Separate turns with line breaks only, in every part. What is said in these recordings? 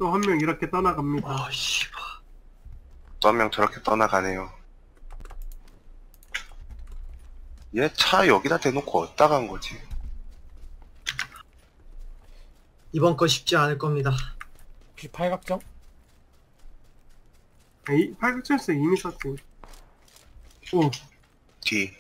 또 한 명 이렇게 떠나갑니다.
아, 씨발.
또 한 명 저렇게 떠나가네요. 얘 차 여기다 대놓고 어디다 간 거지?
이번 거 쉽지 않을 겁니다.
혹시 팔각정?
이 팔각철수 이미 썼지. 오,
뒤.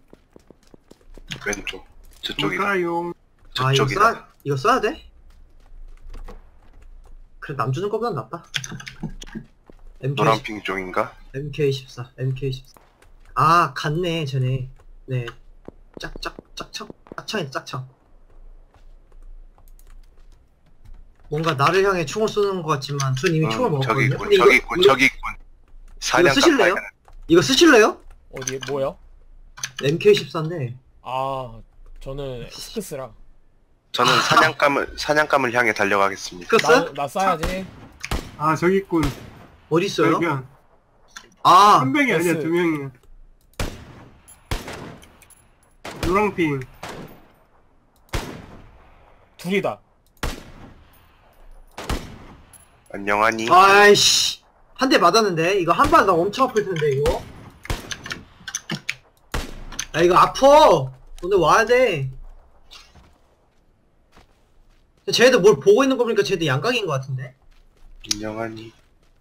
왼쪽. 저쪽이다.
뭘까요?
저쪽이다.
이거 써야 돼? 그래, 남 주는 거보단 낫다.
노란핑 쪽인가?
MK14, MK14. 아, 갔네, 쟤네. 네. 짝창이다, 짝창. 뭔가 나를 향해 총을 쏘는 것 같지만, 전 이미 총을
저기
먹었거든요.
있군,
근데
저기 있군, 저기 있군. 사냥
쓰실래요?
깜빡이네.
이거 쓰실래요?
어디에 뭐요?
MK14인데.
아 저는 스크스라.
저는 사냥감을 향해 달려가겠습니다.
스크스?
나 쏴야지.
아, 저기 있군.
어디 있어요?
발견.
아,
한 명이 아니야,
S.
두 명이야. 노랑핑.
둘이다.
안녕하니?
아이씨. 한 대 맞았는데? 이거 한 발 나 엄청 아플 텐데, 이거? 야, 이거 아파! 오늘 와야 돼. 쟤네들 뭘 보고 있는 거 보니까 쟤네들 양각인 것 같은데?
안녕하니?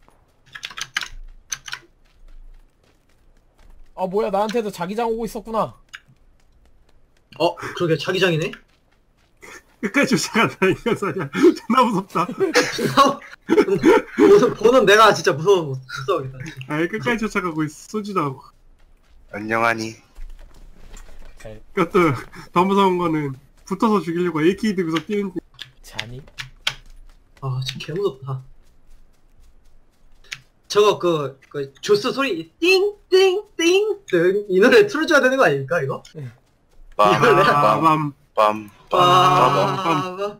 아 뭐야 나한테도 자기장 오고 있었구나.
그러게, 자기장이네?
끝까지 쫓아간다, 이거 사냥. 존나 무섭다.
보는 내가 진짜 무서워하겠다. 진짜.
아예 끝까지 쫓아가고 있어. 쏘지도 않고.
안녕하니?
그것도 더 무서운 거는 붙어서 죽이려고 AK 들고서 뛰는.
자니?
아, 진짜 개무섭다. 저거, 조스 소리, 띵, 띵, 띵, 띵. 이 노래 틀어줘야 되는 거 아닙니까, 이거?
빠밤.
빰빰빰빰빰.
빠밤.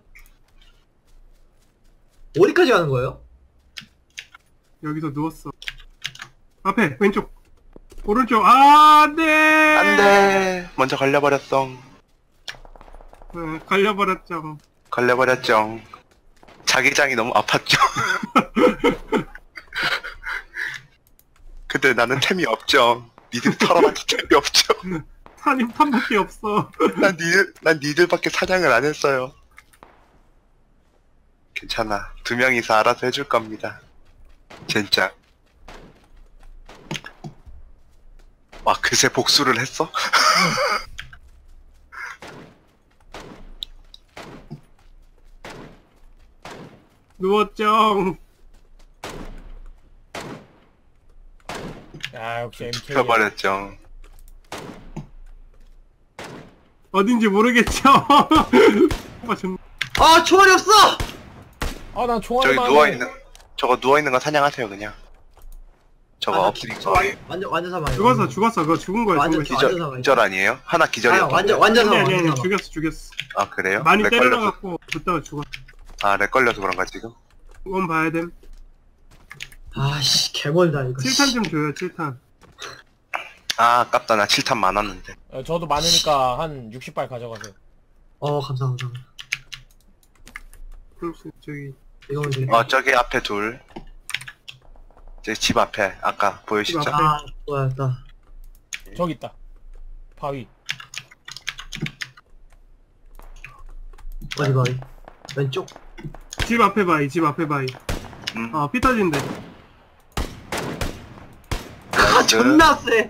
어디까지 가는 거예요?
여기서 누웠어. 앞에 왼쪽. 오른쪽. 아, 안돼.
안돼. 먼저 걸려버렸어.
걸려버렸죠.
걸려버렸죠. 자기장이 너무 아팠죠. 근데 나는 템이 없죠. 니들 털어봤자 템이 없죠.
산임 탄밖에 없어.
난 니들밖에 사냥을 안 했어요. 괜찮아. 두 명이서 알아서 해줄 겁니다. 진짜. 와, 그새 복수를 했어?
누웠죠.
야 역시 MK.
펴버렸죠.
어딘지 모르겠죠.
아, 총알이 없어!
아난
저기
총알만.
저거 누워있는 거 사냥하세요, 그냥. 저거 엎드리고.
완전 사망이야.
죽었어. 그거 죽은 거야.
완전
죽은 거야.
완전 사망이야.
기절 아니에요? 하나 기절이었던데.
완전
아니,
사망.
아니, 죽였어.
아, 그래요?
많이
렉 걸려서.
때려갖고 붙다가 죽었어.
아, 렉 걸려서 그런가, 지금?
그건 봐야 됨.
아씨, 개멀다, 이거.
7탄 좀 줘요, 7탄.
아, 아깝다. 나 7탄 많았는데.
저도 많으니까 한 60발 가져가세요.
감사합니다.
저기.
이거면 되겠네.
저기 앞에 둘. 저기 집 앞에, 아까 보이시죠?
집 앞에.
좋아했다.
저기 있다. 바위.
어디? 왼쪽?
집 앞에 바위, 집 앞에 바위. 피 터진대.
존나 세!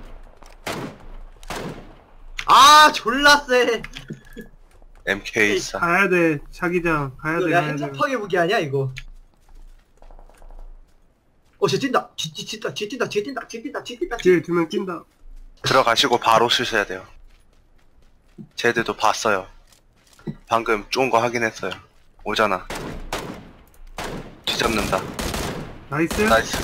졸라 세!
MK4.
가야 돼, 자기장. 가야 돼,
야,
가야 돼.
행정파괴 무기 아니야, 이거? 쟤 뛴다! 뒤 뛴다!
뒤에 두 명 뛴다.
들어가시고 바로 쓰셔야 돼요. 쟤들도 봤어요. 방금 좋은 거 확인했어요. 오잖아. 뒤잡는다.
나이스.
나이스.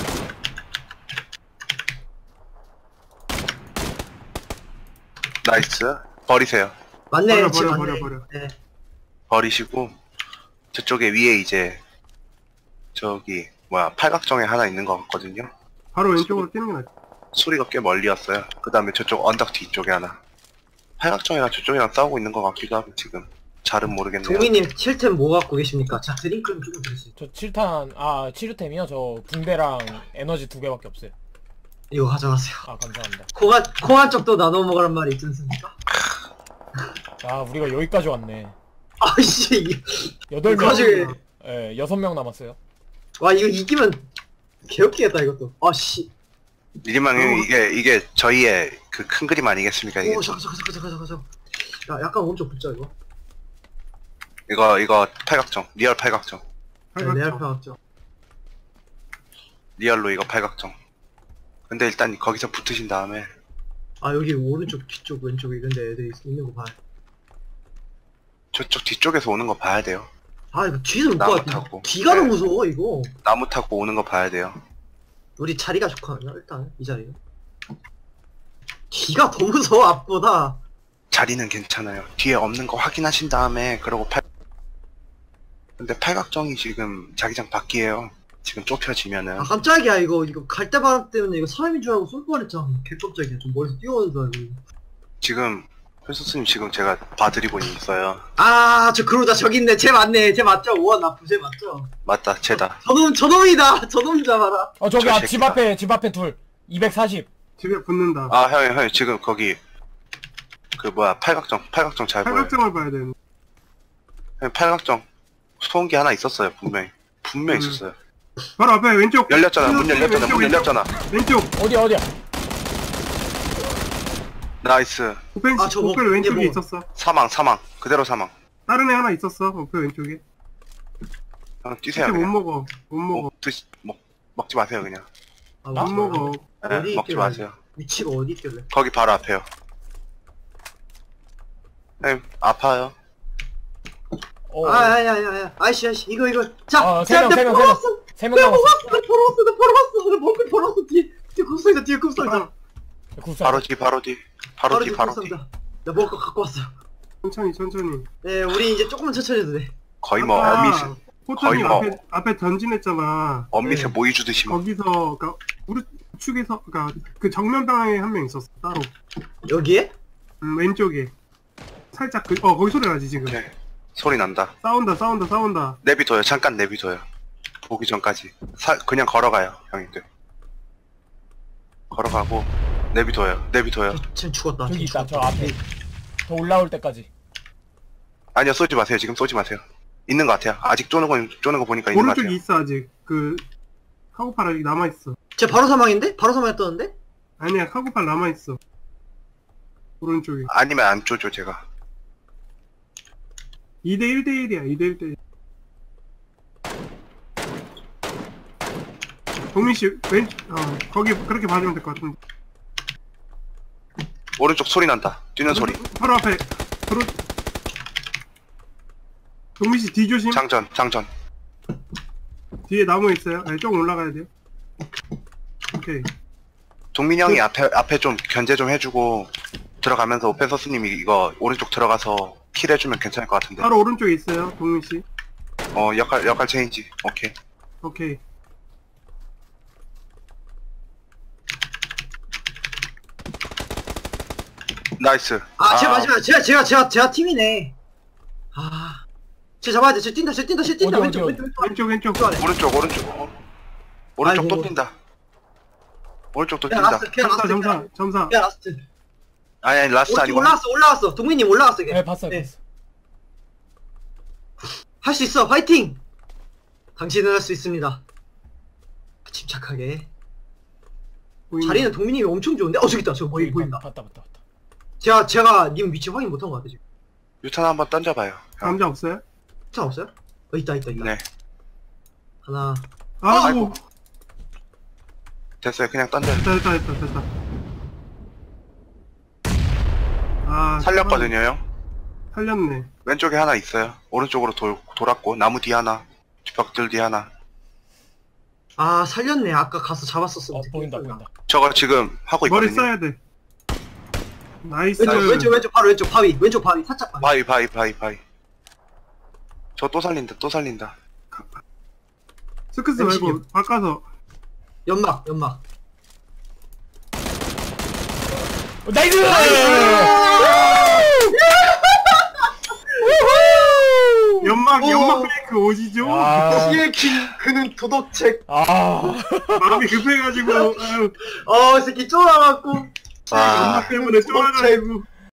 나이스. 버리세요.
맞네,
버려.
네.
버리시고 저쪽에 위에 이제 저기 팔각정에 하나 있는 것 같거든요.
바로 왼쪽으로 뛰는 게 낫지.
소리가 꽤 멀리였어요. 그 다음에 저쪽 언덕 뒤쪽에 하나. 팔각정이랑 저쪽이랑 싸우고 있는 것 같기도 하고 지금 잘은 모르겠네요.
동민님 7템 뭐 갖고 계십니까? 자 드링크는 조금 드릴 수 있죠.
저 7탄 치료템이요? 저 붕대랑 에너지 2개밖에 없어요.
이거 가져가세요.
아 감사합니다.
콩한 쪽도 나눠 먹으란 말이 있지 않습니까?
아 우리가 여기까지 왔네.
아이씨
8명.
가지고
예, 6명 남았어요.
와 이거 이기면 개웃기겠다 이것도. 아씨.
이리만 이게 저희의 그 큰 그림 아니겠습니까 이게.
오 잠깐. 야 약간 오른쪽 붙자 이거.
이거 팔각정 리얼 팔각정
네, 내 앞에 왔죠.
리얼로 이거 팔각정. 근데 일단 거기서 붙으신 다음에
아 여기 오른쪽 뒤쪽 왼쪽 이런데 애들이 있는 거 봐.
저쪽 뒤쪽에서 오는 거 봐야 돼요.
아 이거 뒤에서 못
나무
봐.
타고.
뒤가
네.
너무 무서워 이거.
나무 타고 오는 거 봐야 돼요.
우리 자리가 좋거든요 일단 이 자리는. 뒤가 더 무서워 앞보다.
자리는 괜찮아요. 뒤에 없는 거 확인하신 다음에 그러고 근데 팔각정이 지금 자기장 밖이에요. 지금 좁혀지면은
아 깜짝이야 이거 갈대바람 때문에 이거 사람인 줄 알고 쏠 뻔했잖아. 개깜짝이야. 좀 멀리서 뛰어오는 줄 알고.
지금 회수스님 지금 제가 봐드리고 있어요.
아 저 그러다 저기 있네. 쟤 맞네. 쟤 맞죠? 우와 나쁘 쟤 맞죠?
맞다, 쟤다.
저놈이다. 저놈 잡아라.
저기
저
집
새끼다.
앞에 둘. 240.
집에 붙는다.
아, 형, 지금 거기 그 뭐야 팔각정 잘 보여요.
팔각정을 봐야 되는데.
형, 팔각정 소음기 하나 있었어요, 분명히 있었어요.
바로 앞에 왼쪽.
열렸잖아, 문 열렸잖아,
왼쪽.
어디야?
나이스.
우펜
아, 저거
왼쪽에
이게 뭐-
있었어.
사망 그대로 사망.
다른 애 하나 있었어. 우펜 왼쪽에.
형 뛰세요.
근데 못
그냥.
먹어. 못 먹어.
먹지 마세요 그냥.
아,
못 먹어.
네,
어디
먹지
있길래?
마세요.
위치가 어디 있길래?
거기 바로 앞에요. 형 아파요.
아야야야 아이씨 이거 자
세 명, 세 명.
벌었어
3명 남았어.
나 먹고 벌었어 뒤에 뒤에 굽상이다
굴사.
바로 뒤.
나 먹을 거 갖고 왔어.
천천히.
네 우리 이제 조금만 천천히 해도 돼.
거의 뭐
아까
어미새
포탄이
거의 뭐-
앞에 던진했잖아.
어미새
네.
모이 주듯이 막.
거기서 그니까 우리 축에서 그니까 그 정면 방향에 한 명 있었어. 따로.
여기에?
왼쪽에. 살짝 거기 소리 나지 지금.
오케이. 소리 난다.
싸운다.
내비둬요. 잠깐 내비둬요. 보기 전까지. 그냥 걸어가요, 형님들. 걸어가고 내비둬요.
쟤 죽었다.
저기
쟤
있다. 저
죽었다.
앞에. 더 올라올 때까지.
아니요, 쏘지 마세요. 지금 쏘지 마세요. 있는 것 같아요. 아직 쪼는 거 보니까 있는 것
오른쪽에
같아요.
있어 아직. 그 카고팔 아직 남아있어.
쟤 바로 사망인데? 바로 사망했다는데?
아니야 카고팔 남아있어. 오른쪽에.
아니면 안 쪼죠, 제가.
2대1대1이야 2대1대1. 동민씨 거기 그렇게 봐주면 될 것 같은데.
오른쪽 소리 난다. 뛰는 소리.
바로 앞에 동민씨 뒤 조심.
장전.
뒤에 나무 있어요. 아니 조금 올라가야 돼요. 오케이.
동민이 형이 앞에 좀 견제 좀 해주고 들어가면서 오펜서스님이 이거 오른쪽 들어가서 킬 해주면 괜찮을 것 같은데.
바로 오른쪽에 있어요 동민씨.
역할 체인지.
오케이.
나이스.
쟤 마지막 제가 팀이네. 쟤 잡아야 돼. 쟤 뛴다.
어디?
왼쪽.
안에.
오른쪽 또
아이고.
뛴다. 오른쪽 또
그냥
뛴다.
라스트 그냥 라스트
점사.
그냥 라스트.
아니 라스트 아니고
올라왔어. 동민님 올라왔어.
네, 봤어요.
할 수 있어. 화이팅. 당신은 할 수 있습니다. 침착하게.
보이네.
자리는 동민님이 엄청 좋은데? 저기 있다. 저거 보인다.
봤다.
제가 님 위치 확인 못한 것 같아 지금.
유탄 한번 던져봐요.
남자 없어요?
차 없어요? 있다.
네.
하나.
아이고.
됐어요. 그냥 던져요.
됐다.
살렸거든요, 형.
살렸네.
왼쪽에 하나 있어요. 오른쪽으로 돌았고 나무 뒤 하나, 벽들 뒤 하나.
살렸네. 아까 가서 잡았었어.
보인다.
저거 지금 하고
머리
있거든요.
써야 돼. 나이스.
왼쪽 바로 왼쪽 바위. 왼쪽 바위. 살짝 바위.
바위. 저 또 살린다.
스크스 말고 바꿔서.
연막.
나이스!
연막 페이크 오지죠?
아,
시에킹 그는 도덕책.
아,
마음이 급해가지고, 아유,
이 새끼 쫄아갖고.
와,
연막 때문에 쫄아가지고.